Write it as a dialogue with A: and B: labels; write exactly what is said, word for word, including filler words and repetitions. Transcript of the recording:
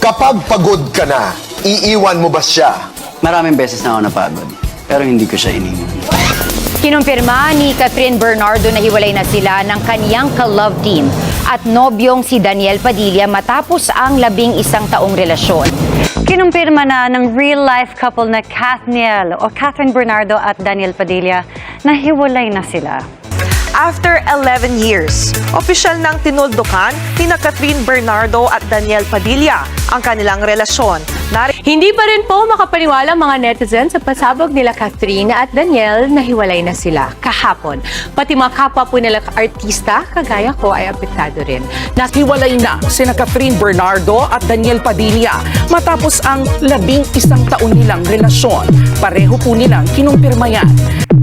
A: Kapag pagod ka na, iiwan mo ba siya?
B: Maraming beses na ako napagod, pero hindi ko siya iniwan.
C: Kinumpirma ni Catherine Bernardo na hiwalay na sila ng kaniyang ka-love team at nobyong si Daniel Padilla matapos ang labing isang taong relasyon.
D: Kinumpirma na ng real-life couple na Kathniel o Catherine Bernardo at Daniel Padilla na hiwalay na sila.
E: After eleven years, opisyal nang tinuldukan ni na Catherine Bernardo at Daniel Padilla ang kanilang relasyon. Nari-
F: Hindi pa rin po makapaniwala mga netizens sa pasabog nila Catherine at Daniel na hiwalay na sila kahapon. Pati mga kapwa po nila artista, kagaya ko, ay apektado rin.
G: Hiwalay na sina Catherine Bernardo at Daniel Padilla matapos ang labing isang taon nilang relasyon. Pareho po nilang kinumpirma yan.